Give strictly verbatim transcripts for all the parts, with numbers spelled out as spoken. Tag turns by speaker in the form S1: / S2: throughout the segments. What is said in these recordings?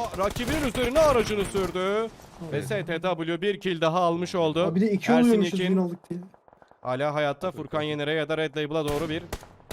S1: rakibinin üzerine aracını sürdü. Ve S T W bir kill daha almış oldu.
S2: Abi de iki
S1: Ersin
S2: oluyormuşuz
S1: Yekin
S2: win aldık diye.
S1: hala hayatta. Furkan Yener'e ya da Red Label'a doğru bir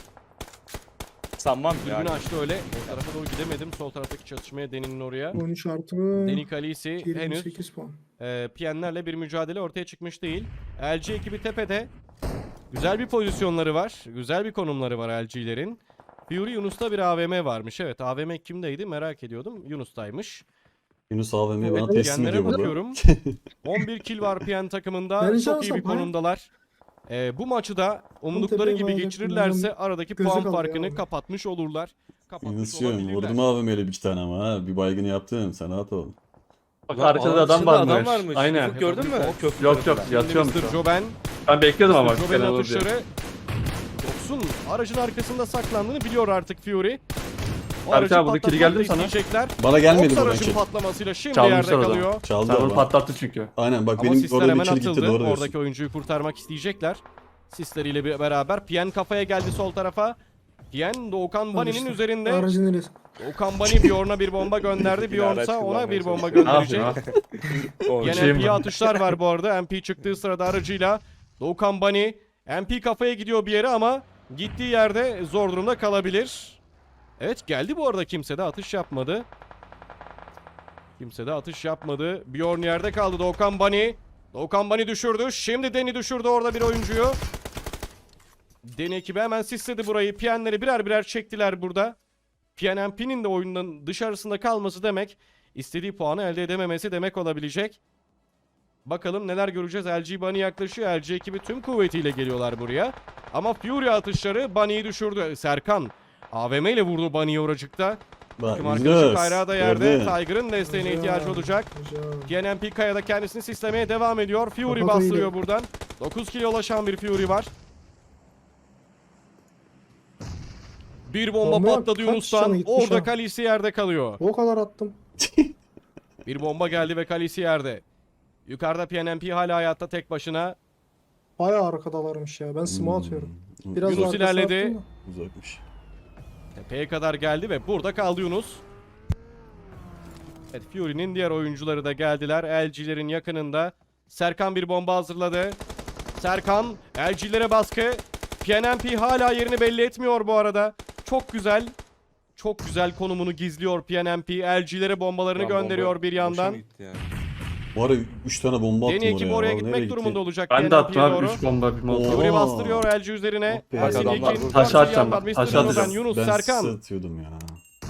S3: Sanmam
S1: dürbünü
S3: yani.
S1: açtı öyle. O tarafa doğru gidemedim. Sol taraftaki çatışmaya Deni'nin oraya.
S2: on üç artı mı?
S1: Deni Kalisi
S2: yirmi
S1: henüz
S2: sekiz puan.
S1: e, P N'lerle bir mücadele ortaya çıkmış değil. L G ekibi tepede. Güzel bir pozisyonları var. Güzel bir konumları var L G'lerin. Fury Yunus'ta bir A V M varmış. Evet, A V M kimdeydi merak ediyordum. Yunus'taymış.
S4: Yunus A V M'yi
S2: Evet,
S4: bana teslim
S1: P N'lere
S4: ediyor burada.
S1: bakıyorum. on bir kill var P N takımında.
S2: Ben
S1: Çok iyi
S2: şansım,
S1: bir konumdalar. Ee, bu maçı da umdukları
S2: tepeye
S1: gibi
S2: bağlayacaktım,
S1: geçirirlerse
S2: bilmiyorum.
S1: aradaki
S2: Gözü
S1: puan
S2: kaldı
S1: farkını
S2: ya.
S1: kapatmış olurlar. Kapatmış
S4: Yunus'cuğum
S1: olabilirler.
S4: vurdum A V M'yle bir iki tane ama ha. Bir baygını yaptım. Sen rahat ol.
S5: Bak
S3: Ulan
S5: arkada
S3: alan
S5: adam
S3: dışında
S5: varmış.
S3: adam varmış.
S5: Aynen.
S3: Ufuk gördün mü? Köprü
S5: Yok yok
S3: tarafında.
S1: Şimdi
S5: yatıyormuş.
S1: mister
S5: o.
S1: Joben,
S5: Ben bekliyordum ama.
S1: mister Joben'in
S5: Fena olur diye.
S1: atışları Yoksun aracın arkasında saklandığını biliyor artık Fury. O
S5: Berk
S1: aracı
S5: abi, burada kili geldi mi
S1: patlatmak da
S5: sana?
S1: isteyecekler.
S4: Bana gelmedi
S1: Oks
S4: buradan
S1: aracın
S4: kill.
S1: patlamasıyla şimdi
S5: Çalmışlar
S1: yerde
S5: o zaman.
S1: kalıyor.
S4: Çaldı
S5: Sen onu
S4: ama.
S5: patlattı çünkü.
S4: Aynen bak
S1: Ama
S4: benim
S1: sisler
S4: orada bir
S1: hemen
S4: kill gitti
S1: atıldı.
S4: doğru diyorsun.
S1: Oradaki oyuncuyu kurtarmak isteyecekler. Sisleriyle bir- beraber. Pien kafaya geldi sol tarafa. Pien Doğukan Bani'nin
S2: işte,
S1: üzerinde.
S2: Aracın neresi?
S1: Doğukan Bani Bjorn'a bir bomba gönderdi.
S3: Yine
S1: Bjorn
S3: araç
S1: ise ona
S3: kullanmaya
S1: bir bomba
S3: çalışıyor.
S5: Ne
S1: gönderecek.
S5: yapayım ha?
S3: O
S1: Yine
S5: şey
S1: M P'ye
S5: mi?
S1: atışlar var bu arada. M P çıktığı sırada aracıyla. Doğukan Bani M P kafaya gidiyor bir yere ama gittiği yerde zor durumda kalabilir. Evet, geldi bu arada, kimse de atış yapmadı. Kimse de atış yapmadı. Bjorn yerde kaldı. Doğukan Bani. Doğukan Bani düşürdü. Şimdi Deni düşürdü orada bir oyuncuyu. Deni ekibi hemen sisledi burayı. Piyenleri birer birer çektiler burada. Piyen M P'nin de oyundan dışarısında kalması demek, istediği puanı elde edememesi demek olabilecek. Bakalım neler göreceğiz. L G Bunny yaklaşıyor. L G ekibi tüm kuvvetiyle geliyorlar buraya. Ama Fury atışları Bunny'yi düşürdü. Serkan A V M ile vurdu Bunny'yi oracıkta.
S4: Bak
S1: Tüm arkadaşı
S4: Yunus.
S1: Kayra da yerde.
S4: gördün.
S1: Tiger'ın desteğine
S2: Güzel,
S1: ihtiyacı olacak.
S2: güzel.
S1: P N M P Kaya da kendisini sistemeye devam ediyor. Fury
S2: Kapat
S1: bastırıyor
S2: oyunu.
S1: buradan. dokuz kilo ulaşan bir Fury var. Bir bomba
S2: Bomba
S1: patladı
S2: kaç
S1: Yunus'tan.
S2: canı gitmiş
S1: Orada
S2: ha?
S1: Kalisi yerde kalıyor.
S2: O kadar attım.
S1: Bir bomba geldi ve Kalisi yerde. Yukarıda P N M P hala hayatta tek başına.
S2: Bayağı arkadalarmış ya. Ben smoke atıyorum. Biraz
S1: Yunus
S2: daha arkasına
S1: ilerledi.
S2: attım da.
S4: Uzakmış.
S1: Tepeye kadar geldi ve burada kaldı Yunus. Evet, Fury'nin diğer oyuncuları da geldiler. L G'lerin yakınında. Serkan bir bomba hazırladı. Serkan L G'lere baskı. P N M P hala yerini belli etmiyor bu arada. Çok güzel. Çok güzel konumunu gizliyor P N M P. L G'lere bombalarını
S3: Lan
S1: gönderiyor
S3: bomba
S1: bir
S3: boşa
S1: yandan.
S3: mı gitti ya?
S4: Bu ara üç tane bomba attım
S1: Deni ekibi
S4: oraya.
S1: oraya
S4: Vallahi nereye
S1: gitmek
S4: gitti?
S1: durumunda olacak.
S5: Ben
S1: P
S5: de
S1: N M
S5: attım
S1: P'ye
S5: abi
S1: doğru.
S5: üç bomba bir molotov.
S4: Oo.
S1: Fury bastırıyor L G üzerine.
S4: Oh be.
S1: Ersin
S3: Adamlar
S1: Yekin.
S3: burada.
S5: Taş atacağım
S1: Yandan
S5: ben,
S1: mister
S5: taş
S1: Joben,
S5: atacağım.
S1: Yunus,
S4: Ben
S1: Serkan.
S4: size atıyordum ya.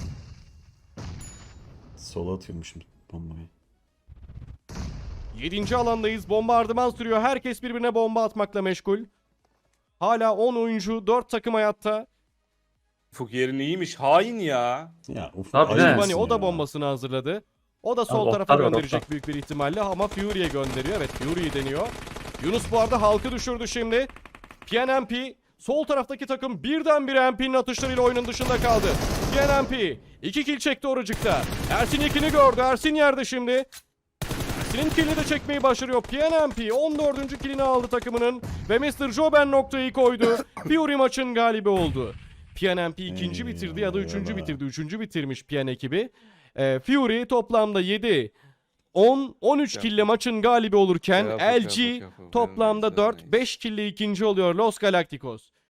S4: Sola atıyormuşum bombayı.
S1: yedinci alandayız. Bombardıman sürüyor. Herkes birbirine bomba atmakla meşgul. Hala on oyuncu, dört takım hayatta.
S3: Ufuk yerin iyiymiş. Hain ya.
S4: Ya uf.
S5: Abi
S4: ayıp
S5: ne?
S4: mısın
S1: Bunny o da
S4: ya?
S1: bombasını hazırladı. O da sol
S5: Abi,
S1: tarafa
S5: oktar var,
S1: gönderecek
S5: oktar.
S1: büyük bir ihtimalle ama Fury'ye gönderiyor. Evet, Fury'yi deniyor. Yunus bu arada halkı düşürdü şimdi. P N M P sol taraftaki takım birdenbire M P'nin atışlarıyla oyunun dışında kaldı. P N M P iki kill çekti oracıkta. Ersin ikini gördü. Ersin yerde şimdi. Ersin'in killini de çekmeyi başarıyor. P N M P on dördüncü killini aldı takımının ve mister Joben noktayı koydu. Fury maçın galibi oldu. P N M P ikinci bitirdi ya da üçüncü
S4: Eyvallah.
S1: bitirdi. Üçüncü bitirmiş P N ekibi. Ee, Fury toplamda yedi, on, on üç kille maçın galibi olurken
S3: Yap,
S1: L
S3: yap,
S1: G
S3: yap, yap, yap.
S1: toplamda
S3: Güzel,
S1: dört,
S3: nice.
S1: beş kille ikinci oluyor Los Galacticos.